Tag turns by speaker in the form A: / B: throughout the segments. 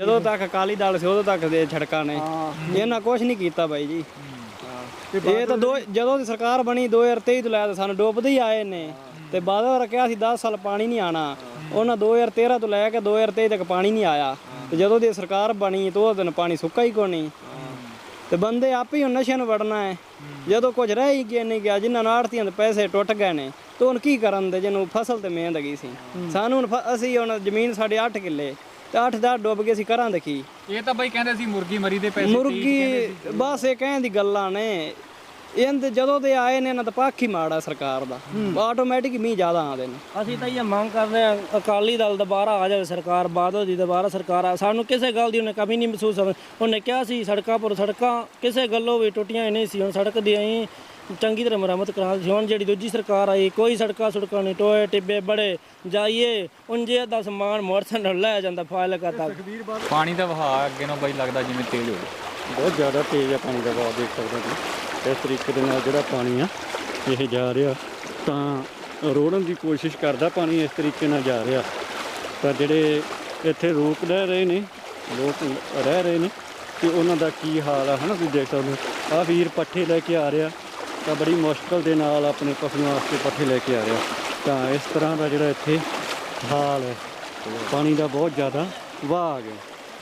A: ਜਦੋਂ ਤੱਕ ਅਕਾਲੀ ਦਲ ਸੀ ਉਦੋਂ ਤੱਕ ਦੇ ਸੜਕਾਂ ਨੇ ਇਹਨਾਂ ਕੁਝ ਨਹੀਂ ਕੀਤਾ ਬਾਈ ਜੀ। ਇਹ ਤਾਂ ਜਦੋਂ ਦੀ ਸਰਕਾਰ ਬਣੀ 2023 ਤੋਂ ਲੈ ਕੇ ਸਾਨੂੰ ਡੁੱਬਦੇ ਹੀ ਆਏ ਨੇ ਤੇ ਬਾਦਲ ਰੱਖਿਆ ਸੀ 10 ਸਾਲ ਪਾਣੀ ਨਹੀਂ ਆਣਾ। ਉਹਨਾਂ 2013 ਤੋਂ ਲੈ ਕੇ 2023 ਤੱਕ ਪਾਣੀ ਨਹੀਂ ਆਇਆ ਤੇ ਜਦੋਂ ਦੀ ਸਰਕਾਰ ਬਣੀ ਤੇ ਉਹ ਦਿਨ ਪਾਣੀ ਸੁੱਕਾ ਹੀ ਕੋਈ ਨਹੀਂ ਤੇ ਬੰਦੇ ਆਪੇ ਹੀ ਨਸ਼ਿਆਂ ਨੂੰ ਵੜਨਾ ਹੈ। ਜਦੋਂ ਕੁਝ ਰਹਿ ਹੀ ਗਿਆ ਨਹੀਂ ਗਿਆ ਜਿਨ੍ਹਾਂ ਨਾਲ ਆੜਤੀਆਂ ਦੇ ਪੈਸੇ ਟੁੱਟ ਗਏ ਨੇ ਤੇ ਹੁਣ ਕੀ ਕਰਨ ਦੇ ਜਿਹਨੂੰ ਫਸਲ ਤੇ ਮਿਹਨਤ ਹੈਗੀ ਸੀ ਸਾਨੂੰ ਅਸੀਂ ਹੁਣ ਜ਼ਮੀਨ ਸਾਡੇ 8 ਕਿੱਲੇ ਤੇ 8-10 ਡੁੱਬ ਗਏ ਸੀ ਕਰਾਂ ਦੇ ਕੀ।
B: ਇਹ ਤਾਂ ਬਈ ਕਹਿੰਦੇ ਸੀ ਮੁਰਗੀ ਮਰੀ ਦੇ ਪੈਸੇ
A: ਮੁਰਗੀ ਬਸ ਇਹ ਕਹਿਣ ਦੀ ਗੱਲਾਂ ਨੇ ਇਹਦੇ ਜਦੋਂ ਦੇ ਆਏ ਨੇ ਇਹਨਾਂ ਦਾ ਪੱਖ ਹੀ ਮਾੜਾ ਸਰਕਾਰ ਦਾ ਆਟੋਮੈਟਿਕ ਮੀਂਹ ਜ਼ਿਆਦਾ ਆਉਂਦੇ ਨੇ।
C: ਅਸੀਂ ਤਾਂ ਇਹ ਮੰਗ ਕਰਦੇ ਹਾਂ ਅਕਾਲੀ ਦਲ ਦੁਬਾਰਾ ਆ ਜਾਵੇ ਸਰਕਾਰ ਬਾਦਲ ਦੀ ਦੁਬਾਰਾ ਸਰਕਾਰ ਆ ਸਾਨੂੰ ਕਿਸੇ ਗੱਲ ਦੀ ਉਹਨੇ ਕਮੀ ਨਹੀਂ ਮਹਿਸੂਸ ਹੋਵੇ। ਉਹਨੇ ਕਿਹਾ ਸੀ ਸੜਕਾਂ ਪਰ ਸੜਕਾਂ ਕਿਸੇ ਗੱਲੋਂ ਵੀ ਟੁੱਟੀਆਂ ਹੀ ਨਹੀਂ ਸੀ। ਹੁਣ ਸੜਕ ਦੀ ਅਸੀਂ ਚੰਗੀ ਤਰ੍ਹਾਂ ਮੁਰੰਮਤ ਕਰਾ ਸੀ। ਹੁਣ ਜਿਹੜੀ ਦੂਜੀ ਸਰਕਾਰ ਆਈ ਕੋਈ ਸੜਕਾਂ ਸੁੜਕਾਂ ਨਹੀਂ ਟੋਏ ਟਿੱਬੇ ਬੜੇ ਜਾਈਏ ਉਂਝੇ ਦਾ ਸਮਾਨ ਮੋਟਰਸਾਈਕਲ ਲੈ ਜਾਂਦਾ ਫਾਇਲ ਕਰਤਾ।
B: ਪਾਣੀ ਦਾ ਵਹਾਅ ਅੱਗੇ ਨੂੰ ਬਈ ਲੱਗਦਾ ਜਿਵੇਂ ਤੇਜ਼ ਹੋ ਗਿਆ
D: ਬਹੁਤ ਜ਼ਿਆਦਾ ਤੇਜ਼ ਆ ਪਾਣੀ ਦਾ ਵਹਾਅ ਦੇਖ ਸਕਦੇ ਹੋ। ਇਸ ਤਰੀਕੇ ਦੇ ਨਾਲ ਜਿਹੜਾ ਪਾਣੀ ਆ ਇਹ ਜਾ ਰਿਹਾ ਤਾਂ ਰੋੜਨ ਦੀ ਕੋਸ਼ਿਸ਼ ਕਰਦਾ ਪਾਣੀ ਇਸ ਤਰੀਕੇ ਨਾਲ ਜਾ ਰਿਹਾ ਪਰ ਜਿਹੜੇ ਇੱਥੇ ਲੋਕ ਰਹਿ ਰਹੇ ਨੇ ਤੇ ਉਹਨਾਂ ਦਾ ਕੀ ਹਾਲ ਆ ਹਨਾ ਤੁਸੀਂ ਦੇਖ ਸਕਦੇ ਹੋ। ਆਹ ਵੀਰ ਪੱਠੇ ਲੈ ਕੇ ਆ ਰਿਹਾ ਤਾਂ ਬੜੀ ਮੁਸ਼ਕਲ ਦੇ ਨਾਲ ਆਪਣੇ ਪਸ਼ੂਆਂ ਵਾਸਤੇ ਪੱਠੇ ਲੈ ਕੇ ਆ ਰਿਹਾ ਤਾਂ ਇਸ ਤਰ੍ਹਾਂ ਦਾ ਜਿਹੜਾ ਇੱਥੇ ਹਾਲ ਹੈ ਪਾਣੀ ਦਾ ਬਹੁਤ ਜ਼ਿਆਦਾ ਵਹਾਅ ਆ ਗਿਆ।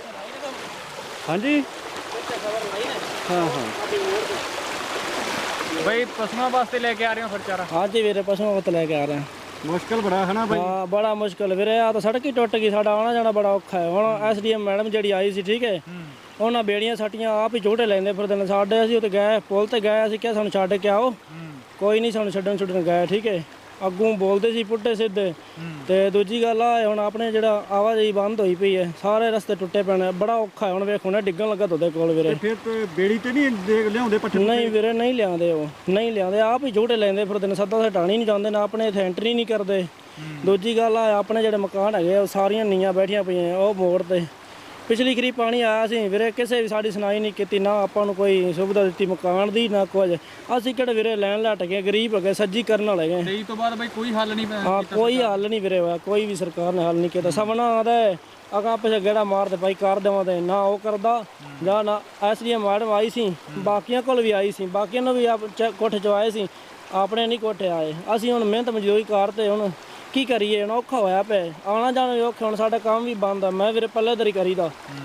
D: ਹਾਂਜੀ ਹਾਂ
B: ਬਈ ਪਸ਼ੂਆਂ ਵਾਸਤੇ ਲੈ ਕੇ ਆ ਰਹੇ ਹੋ ਫਿਰ ਚਾਰਾ?
C: ਹਾਂਜੀ ਵੀਰੇ ਪਸ਼ੂਆਂ ਵਾਸਤੇ ਲੈ ਕੇ ਆ ਰਹੇ ਹਾਂ।
D: ਮੁਸ਼ਕਲ ਬੜਾ ਹੈ ਨਾ ਬਾਈ?
C: ਹਾਂ ਬੜਾ ਮੁਸ਼ਕਲ ਵੀਰੇ ਆ ਤਾਂ ਸੜਕ ਹੀ ਟੁੱਟ ਗਈ ਸਾਡਾ ਆਉਣਾ ਜਾਣਾ ਬੜਾ ਔਖਾ ਹੈ। ਹੁਣ ਐਸਡੀਐਮ ਮੈਡਮ ਜਿਹੜੀ ਆਈ ਸੀ ਠੀਕ ਹੈ ਉਹਨਾਂ ਬੇੜੀਆਂ ਸੱਟੀਆਂ ਆਪ ਹੀ ਝੋਟੇ ਲੈਂਦੇ ਫਿਰਦੇ ਨੇ ਸਾਡੇ। ਅਸੀਂ ਉੱਤੇ ਗਏ ਪੁਲ ਤੇ ਗਏ ਅਸੀਂ ਕਿਹਾ ਸਾਨੂੰ ਛੱਡ ਕੇ ਆਓ ਕੋਈ ਨਹੀਂ ਸਾਨੂੰ ਛੱਡਣ ਗਏ ਠੀਕ ਹੈ। ਅੱਗੋਂ ਬੋਲਦੇ ਸੀ ਪੁੱਟੇ ਸਿੱਧੇ ਤੇ ਦੂਜੀ ਗੱਲ ਆ ਹੁਣ ਆਪਣੇ ਜਿਹੜਾ ਆਵਾਜਾਈ ਬੰਦ ਹੋਈ ਪਈ ਹੈ ਸਾਰੇ ਰਸਤੇ ਟੁੱਟੇ ਪਏ ਨੇ ਬੜਾ ਔਖਾ ਹੈ। ਹੁਣ ਵੇਖੋ ਨਾ ਡਿੱਗਣ ਲੱਗਾ ਤੁਹਾਡੇ ਕੋਲ ਵੀਰੇ।
D: ਫਿਰ ਬੇੜੀ ਤੇ ਨਹੀਂ ਲਿਆਉਂਦੇ ਪੱਠੇ?
C: ਨਹੀਂ ਵੀਰੇ ਨਹੀਂ ਲਿਆਉਂਦੇ ਉਹ ਨਹੀਂ ਲਿਆਉਂਦੇ ਆਪ ਹੀ ਝੋਟੇ ਲੈਂਦੇ ਫਿਰਦੇ ਨੇ ਸੱਦਾ ਸਟਾਣੀ ਨਹੀਂ ਜਾਂਦੇ ਨਾ ਆਪਣੇ ਇੱਥੇ ਐਂਟਰੀ ਨਹੀਂ ਕਰਦੇ। ਦੂਜੀ ਗੱਲ ਆ ਆਪਣੇ ਜਿਹੜੇ ਮਕਾਨ ਹੈਗੇ ਉਹ ਸਾਰੀਆਂ ਨੀਆਂ ਬੈਠੀਆਂ ਪਈਆਂ ਉਹ ਮੋੜ ਤੇ ਪਿਛਲੀ ਖਰੀ ਪਾਣੀ ਆਇਆ ਸੀ ਵੀਰੇ ਕਿਸੇ ਵੀ ਸਾਡੀ ਸੁਣਾਈ ਨਹੀਂ ਕੀਤੀ ਨਾ ਆਪਾਂ ਨੂੰ ਕੋਈ ਸੁਵਿਧਾ ਦਿੱਤੀ ਮਕਾਨ ਦੀ ਨਾ ਕੁਝ। ਅਸੀਂ ਕਿਹੜੇ ਵੀਰੇ ਲੈਣ ਲੱਟ ਗਏ ਗਰੀਬ ਹੈਗੇ ਸੱਜੀ ਕਰਨ ਵਾਲੇ ਗਏ।
B: 23 ਤੋਂ ਬਾਅਦ ਬਈ ਕੋਈ ਹੱਲ ਨਹੀਂ
C: ਹਾਂ ਕੋਈ ਹੱਲ ਨਹੀਂ ਵੀਰੇ ਹੋਇਆ ਕੋਈ ਵੀ ਸਰਕਾਰ ਨੇ ਹੱਲ ਨਹੀਂ ਕੀਤਾ। ਸਭ ਨਾ ਆਦਾ ਅਗਾ ਪਿੱਛੇ ਗੇੜਾ ਮਾਰਦੇ ਭਾਈ ਕਰ ਦੇਵਾਂ ਤੇ ਨਾ ਉਹ ਕਰਦਾ ਜਾਂ ਨਾ ਐਸਡੀਐਮ ਮੈਡਮ ਆਈ ਸੀ ਬਾਕੀਆਂ ਕੋਲ ਵੀ ਆਈ ਸੀ ਬਾਕੀਆਂ ਨੂੰ ਵੀ ਕੋਠੇ ਚ ਆਏ ਸੀ ਆਪਣੇ ਨਹੀਂ ਕੋਠੇ ਆਏ। ਅਸੀਂ ਹੁਣ ਮਿਹਨਤ ਮਜ਼ਦੂਰੀ ਕਰਦੇ ਹੁਣ ਕੀ ਕਰੀਏ ਹੁਣ ਔਖਾ ਹੋਇਆ ਪਿਆ ਆਉਣਾ ਜਾਣਾ ਵੀ ਔਖਾ। ਹੁਣ ਸਾਡਾ ਕੰਮ ਵੀ ਬੰਦ ਆ ਮੈਂ ਵੀਰੇ ਪੱਲੇਦਾਰੀ ਕਰੀਦਾ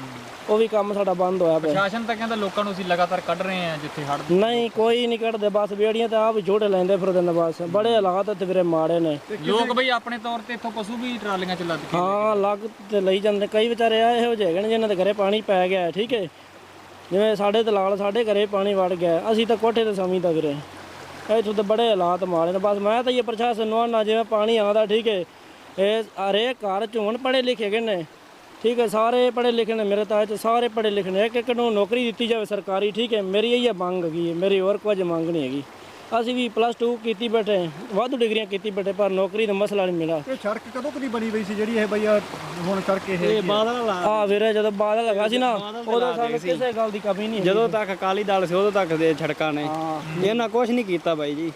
C: ਉਹ ਵੀ ਕੰਮ ਸਾਡਾ ਬੰਦ ਹੋਇਆ ਪਿਆ।
B: ਪ੍ਰਸ਼ਾਸਨ ਤਾਂ ਕਹਿੰਦਾ ਲੋਕਾਂ ਨੂੰ ਅਸੀਂ ਲਗਾਤਾਰ ਕੱਢ ਰਹੇ ਹਾਂ ਜਿੱਥੇ ਹੜ੍ਹ
C: ਨਹੀਂ ਕੋਈ ਨਹੀਂ ਕੱਢਦੇ ਬਸ ਬੇੜੀਆਂ ਤੇ ਆਪ ਝੋਟੇ ਲੈਂਦੇ ਫਿਰਦੇ ਨੇ ਬਸ ਬੜੇ ਹਾਲਾਤ ਤੇ ਵੀਰੇ ਮਾੜੇ ਨੇ।
B: ਲੋਕ ਬਈ ਆਪਣੇ ਤੌਰ ਤੇ ਇੱਥੋਂ ਪਸ਼ੂ ਵੀ ਟਰਾਲੀਆਂ ਚ ਲੱਦ ਕੇ
C: ਹਾਂ ਲੱਗ ਤੇ ਲਈ ਜਾਂਦੇ ਕਈ ਵਿਚਾਰੇ ਆ ਇਹੋ ਜਿਹੇ ਹੈਗੇ ਨੇ ਜਿਨ੍ਹਾਂ ਦੇ ਘਰੇ ਪਾਣੀ ਪੈ ਗਿਆ ਠੀਕ ਹੈ। ਜਿਵੇਂ ਸਾਡੇ ਦਲਾਲ ਸਾਡੇ ਘਰੇ ਪਾਣੀ ਵੜ ਗਿਆ ਅਸੀਂ ਤਾਂ ਕੋਠੇ ਤੇ ਸਮਝਦਾ ਵੀਰੇ ਇੱਥੋਂ ਤਾਂ ਬੜੇ ਹਾਲਾਤ ਮਾੜੇ ਨੇ। ਬਸ ਮੈਂ ਤਾਂ ਇਹ ਪ੍ਰਸ਼ਾਸਨ ਨੂੰ ਆਉਣਾ ਜਿਵੇਂ ਪਾਣੀ ਆਉਂਦਾ ਠੀਕ ਹੈ ਇਹ ਹਰੇਕ ਘਰ ਚ ਹੁਣ ਪੜ੍ਹੇ ਲਿਖੇ ਗਏ ਨੇ ਠੀਕ ਹੈ ਸਾਰੇ ਪੜ੍ਹੇ ਲਿਖੇ ਨੇ ਮੇਰੇ ਤਾਂ ਇੱਥੇ ਸਾਰੇ ਪੜ੍ਹੇ ਲਿਖੇ ਨੇ ਇੱਕ ਨੂੰ ਨੌਕਰੀ ਦਿੱਤੀ ਜਾਵੇ ਸਰਕਾਰੀ ਠੀਕ ਹੈ। ਮੇਰੀ ਇਹ ਮੰਗ ਹੈਗੀ ਮੇਰੀ ਹੋਰ ਕੁਝ ਮੰਗ ਨਹੀਂ ਹੈਗੀ। ਅਸੀਂ ਵੀ +2 ਕੀਤੀ ਬੈਠੇ ਵਾਧੂ ਡਿਗਰੀਆਂ ਕੀਤੀ ਬੈਠੇ ਪਰ ਨੌਕਰੀ ਦਾ ਮਸਲਾ ਨਹੀਂ ਮਿਲਿਆ।
D: ਇਹ ਸੜਕ ਕਦੋਂ ਕਦੀ ਬਣੀ ਪਈ ਸੀ ਜਿਹੜੀ ਇਹ ਬਈ ਹੁਣ ਸੜਕ ਇਹ
A: ਬਾਦਲ
C: ਆ ਵੀਰੇ ਜਦੋਂ ਬਾਦਲ ਲੱਗਾ ਸੀ ਨਾ ਉਦੋਂ ਸਾਨੂੰ ਕਿਸੇ ਗੱਲ ਦੀ ਕਮੀ ਨਹੀਂ।
A: ਜਦੋਂ ਤੱਕ ਅਕਾਲੀ ਦਲ ਸੀ ਉਦੋਂ ਤੱਕ ਦੇ ਸੜਕਾਂ ਨੇ ਇਹਨਾਂ ਕੁਝ ਨਹੀਂ ਕੀਤਾ ਬਾਈ ਜੀ।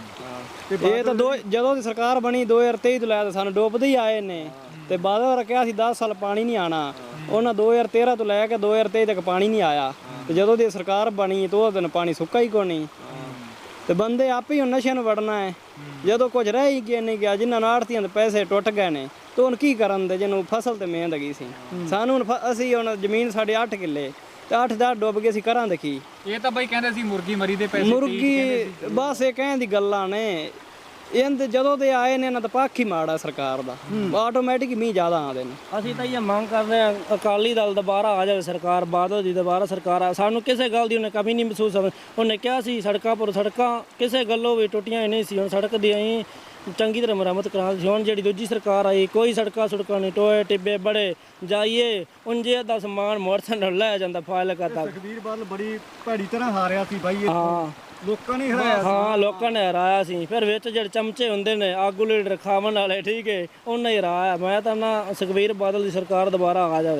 A: ਇਹ ਤਾਂ ਜਦੋਂ ਦੀ ਸਰਕਾਰ ਬਣੀ 2023 ਤੋਂ ਲੈ ਕੇ ਸਾਨੂੰ ਡੁੱਬਦੇ ਹੀ ਆਏ ਨੇ ਤੇ ਬਾਦਲ ਰੱਖਿਆ ਸੀ 10 ਸਾਲ ਪਾਣੀ ਨਹੀਂ ਆਣਾ। ਉਹਨਾਂ 2013 ਤੋਂ ਲੈ ਕੇ 2023 ਤੱਕ ਪਾਣੀ ਨਹੀਂ ਆਇਆ ਤੇ ਜਦੋਂ ਦੀ ਸਰਕਾਰ ਬਣੀ ਤੇ ਉਹ ਦਿਨ ਪਾਣੀ ਸੁੱਕਾ ਹੀ ਕੋਈ ਨਹੀਂ ਤੇ ਬੰਦੇ ਆਪੇ ਹੀ ਨਸ਼ਿਆਂ ਨੂੰ ਵੜਨਾ ਹੈ। ਜਦੋਂ ਕੁਝ ਰਹਿ ਹੀ ਗਿਆ ਨਹੀਂ ਗਿਆ ਜਿਨ੍ਹਾਂ ਨਾਲ ਆੜਤੀਆਂ ਦੇ ਪੈਸੇ ਟੁੱਟ ਗਏ ਨੇ ਤੇ ਹੁਣ ਕੀ ਕਰਨ ਦੇ ਜਿਹਨੂੰ ਫਸਲ ਤੇ ਮਿਹਨਤ ਹੈਗੀ ਸੀ ਸਾਨੂੰ ਅਸੀਂ ਹੁਣ ਜ਼ਮੀਨ ਸਾਡੇ 8 ਕਿੱਲੇ ਤੇ 8-10 ਡੁੱਬ ਗਏ ਸੀ ਕਰਾਂ ਦੇ ਕੀ।
B: ਇਹ ਤਾਂ ਬਈ ਕਹਿੰਦੇ ਸੀ ਮੁਰਗੀ ਮਰੀ ਦੇ ਪੈਸੇ
A: ਮੁਰਗੀ ਬਸ ਇਹ ਕਹਿਣ ਦੀ ਗੱਲਾਂ ਨੇ ਇਹਦੇ ਜਦੋਂ ਦੇ ਆਏ ਨੇ ਇਹਨਾਂ ਦਾ ਪੱਖ ਹੀ ਮਾੜਾ ਸਰਕਾਰ ਦਾ ਆਟੋਮੈਟਿਕ ਮੀਂਹ ਜ਼ਿਆਦਾ ਆਉਂਦੇ ਨੇ।
C: ਅਸੀਂ ਤਾਂ ਇਹ ਮੰਗ ਕਰਦੇ ਹਾਂ ਅਕਾਲੀ ਦਲ ਦੁਬਾਰਾ ਆ ਜਾਵੇ ਸਰਕਾਰ ਬਾਦਲ ਦੀ ਦੁਬਾਰਾ ਸਰਕਾਰ ਆ ਸਾਨੂੰ ਕਿਸੇ ਗੱਲ ਦੀ ਉਹਨੇ ਕਮੀ ਨਹੀਂ ਮਹਿਸੂਸ ਹੋਵੇ। ਉਹਨੇ ਕਿਹਾ ਸੀ ਸੜਕਾਂ ਪਰ ਸੜਕਾਂ ਕਿਸੇ ਗੱਲੋਂ ਵੀ ਟੁੱਟੀਆਂ ਹੀ ਨਹੀਂ ਸੀ। ਹੁਣ ਸੜਕ ਦੀ ਅਸੀਂ ਚੰਗੀ ਤਰ੍ਹਾਂ ਮੁਰੰਮਤ ਕਰਾ ਸੀ। ਹੁਣ ਜਿਹੜੀ ਦੂਜੀ ਸਰਕਾਰ ਆਈ ਕੋਈ ਸੜਕਾਂ ਸੁੜਕਾਂ ਨਹੀਂ ਟੋਏ ਟਿੱਬੇ ਬੜੇ ਜਾਈਏ ਉਂਝੇ ਦਾ ਸਮਾਨ ਮੋਟਰਸਾਈਕਲ ਲੈ ਜਾਂਦਾ ਫਾਇਲ ਕਰਤਾ।
D: ਸੁਖਬੀਰ ਬਾਦਲ ਬੜੀ ਭੈੜੀ ਤਰ੍ਹਾਂ ਹਾਰਿਆ ਸੀ ਬਾਈ
C: ਹਾਂ
D: ਲੋਕਾਂ ਨੇ ਹਰਾਇਆ
C: ਹਾਂ ਲੋਕਾਂ ਨੇ ਹਰਾਇਆ ਸੀ। ਫਿਰ ਵਿੱਚ ਜਿਹੜੇ ਚਮਚੇ ਹੁੰਦੇ ਨੇ ਆਗੂ ਲੀਡਰ ਖਾਵਣ ਵਾਲੇ ਠੀਕ ਹੈ ਉਹਨਾਂ ਹੀ ਹਰਾਇਆ। ਮੈਂ ਤਾਂ ਨਾ ਸੁਖਬੀਰ ਬਾਦਲ ਦੀ ਸਰਕਾਰ ਦੁਬਾਰਾ ਆ ਜਾਵੇ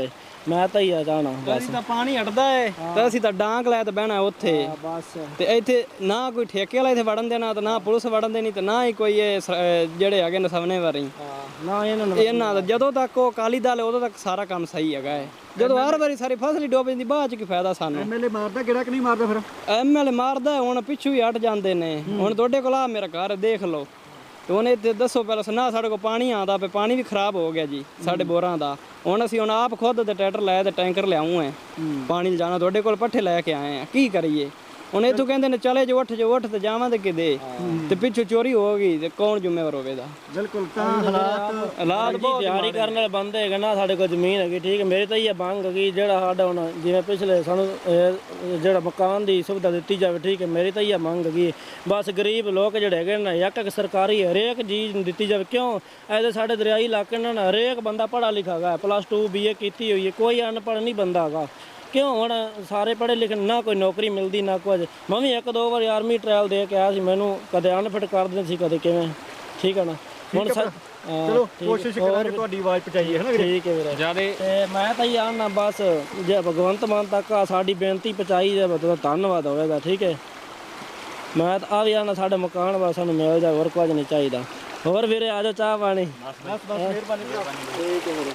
C: ਮੈਂ ਤਾਂ ਹੀ ਆ ਜਾਣਾ ਬਸ
A: ਅਸੀਂ ਤਾਂ ਪਾਣੀ ਹਟਦਾ ਏ ਤੇ ਅਸੀਂ ਤਾਂ ਡਾਂਗ ਲੈ ਤੇ ਬਹਿਣਾ ਉੱਥੇ
C: ਬਸ
A: ਤੇ ਇੱਥੇ ਨਾ ਕੋਈ ਠੇਕੇ ਵਾਲਾ ਇੱਥੇ ਵੜਨ ਦੇਣਾ ਤੇ ਨਾ ਪੁਲਿਸ ਵੜਨ ਦੇਣੀ ਤੇ ਨਾ ਹੀ ਕੋਈ ਇਹ ਜਿਹੜੇ ਹੈਗੇ ਨੇ ਸਵਨੇ ਵਾਰੀ
C: ਨਾ
A: ਇਹਨਾਂ ਦਾ ਜਦੋਂ ਤੱਕ ਉਹ ਅਕਾਲੀ ਦਲ ਹੈ ਉਦੋਂ ਤੱਕ ਸਾਰਾ ਕੰਮ ਸਹੀ ਹੈਗਾ ਹੈ। ਜਦੋਂ ਹਰ ਵਾਰੀ ਸਾਰੀ ਫਸਲ ਹੀ ਡੁੱਬ ਜਾਂਦੀ ਬਾਅਦ ਚ ਕੀ ਫਾਇਦਾ ਸਾਨੂੰ।
D: ਐਮਐਲਏ ਮਾਰਦਾ ਕਿਹੜਾ ਕਿ ਨਹੀਂ ਮਾਰਦਾ ਫਿਰ?
A: ਐਮਐਲਏ ਮਾਰਦਾ ਹੁਣ ਪਿੱਛੂ ਹੀ ਹਟ ਜਾਂਦੇ ਨੇ। ਹੁਣ ਤੁਹਾਡੇ ਕੋਲ ਆ ਮੇਰਾ ਘਰ ਦੇਖ ਲਓ ਤੇ ਉਹਨੇ ਇੱਥੇ ਦੱਸੋ ਪਹਿਲਾਂ ਨਾ ਸਾਡੇ ਕੋਲ ਪਾਣੀ ਆਉਂਦਾ ਪਿਆ, ਪਾਣੀ ਵੀ ਖਰਾਬ ਹੋ ਗਿਆ ਜੀ ਸਾਡੇ ਬੋਰਾਂ ਦਾ। ਹੁਣ ਅਸੀਂ ਆਪ ਖੁਦ ਤੇ ਟਰੈਕਟਰ ਲਾਇਆ ਤੇ ਟੈਂਕਰ ਲਿਆਉਂ ਹੈ ਪਾਣੀ ਲਿਜਾਣਾ, ਤੁਹਾਡੇ ਕੋਲ ਪੱਠੇ ਲੈ ਕੇ ਆਏ ਆ, ਕੀ ਕਰੀਏ ਹੁਣ? ਇੱਥੋਂ ਕਹਿੰਦੇ ਨੇ ਚਲੇ ਜੋ ਉੱਠ ਤੇ ਜਾਵਾਂਗੇ ਕਿਤੇ ਤੇ ਪਿੱਛੋਂ ਚੋਰੀ ਹੋ ਗਈ ਤੇ ਕੌਣ ਜ਼ਿੰਮੇਵਾਰ ਹੋਵੇਗਾ?
D: ਬਿਲਕੁਲ ਤਾਂ ਹਾਲਾਤ
C: ਬਹੁਤ ਤਿਆਰੀ ਕਰਨ ਵਾਲੇ ਬੰਦੇ ਹੈਗੇ ਨਾ, ਸਾਡੇ ਕੋਲ ਜ਼ਮੀਨ ਹੈਗੀ ਠੀਕ ਹੈ। ਮੇਰੀ ਤਾਂ ਇਹ ਮੰਗ ਹੈਗੀ ਜਿਹੜਾ ਸਾਡਾ ਹੁਣ ਜਿਵੇਂ ਪਿਛਲੇ ਸਾਨੂੰ ਜਿਹੜਾ ਮਕਾਨ ਦੀ ਸੁਵਿਧਾ ਦਿੱਤੀ ਜਾਵੇ ਠੀਕ ਹੈ। ਮੇਰੀ ਤਾਂ ਇਹ ਮੰਗ ਹੈਗੀ ਬਸ ਗਰੀਬ ਲੋਕ ਜਿਹੜੇ ਹੈਗੇ ਨਾ ਇੱਕ ਸਰਕਾਰੀ ਹਰੇਕ ਚੀਜ਼ ਦਿੱਤੀ ਜਾਵੇ। ਕਿਉਂ ਐਦੇ ਸਾਡੇ ਦਰਿਆਈ ਇਲਾਕੇ ਨਾਲ ਹਰੇਕ ਬੰਦਾ ਪੜ੍ਹਾ ਲਿਖਾ ਹੈਗਾ, +2 BA ਕੀਤੀ ਹੋਈ ਹੈ, ਕੋਈ ਅਨਪੜ੍ਹ ਨਹੀਂ ਬੰਦਾ ਹੈਗਾ। ਕਿਉਂ ਹੁਣ ਸਾਰੇ ਪੜ੍ਹੇ ਲਿਖੇ ਨਾ ਕੋਈ ਨੌਕਰੀ ਮਿਲਦੀ ਨਾ ਕੁਝ। ਮੈਂ ਵੀ 1-2 ਵਾਰੀ ਆਰਮੀ ਟ੍ਰਾਇਲ ਦੇ ਕੇ ਆਇਆ ਸੀ, ਮੈਨੂੰ ਕਦੇ ਅਨਫਿਟ ਕਰ ਦਿੰਦੇ ਸੀ ਕਦੇ ਕਿਵੇਂ, ਠੀਕ ਹੈ ਨਾ। ਹੁਣ
D: ਚਲੋ ਕੋਸ਼ਿਸ਼ ਕਰਾਂਗੇ ਤੁਹਾਡੀ ਆਵਾਜ਼ ਪਹੁੰਚਾਈਏ, ਹੈ ਨਾ ਵੀਰੇ?
C: ਠੀਕ ਹੈ ਵੀਰੇ।
B: ਜਿਆਦੇ
C: ਤੇ ਮੈਂ ਤਾਂ ਇਹ ਆਣਾ ਬਸ ਜੇ ਭਗਵੰਤ ਮਾਨ ਤੱਕ ਸਾਡੀ ਬੇਨਤੀ ਪਹੁੰਚਾਈ ਜਾਵੇ ਤਾਂ ਧੰਨਵਾਦ ਹੋਵੇਗਾ, ਠੀਕ ਹੈ। ਮੈਂ ਤਾਂ ਆ ਵੀ ਆਣਾ ਸਾਡੇ ਮਕਾਨ ਵਾ ਸਾਨੂੰ ਮਿਲ ਜਾਵੇ, ਹੋਰ ਕੁਝ ਨਹੀਂ ਚਾਹੀਦਾ। ਹੋਰ ਵੀਰੇ ਆ ਜਾਓ ਚਾਹ ਪਾਣੀ।
D: ਬਸ ਮਿਹਰਬਾਨੀ।
C: ਠੀਕ ਹੈ ਵੀਰੇ।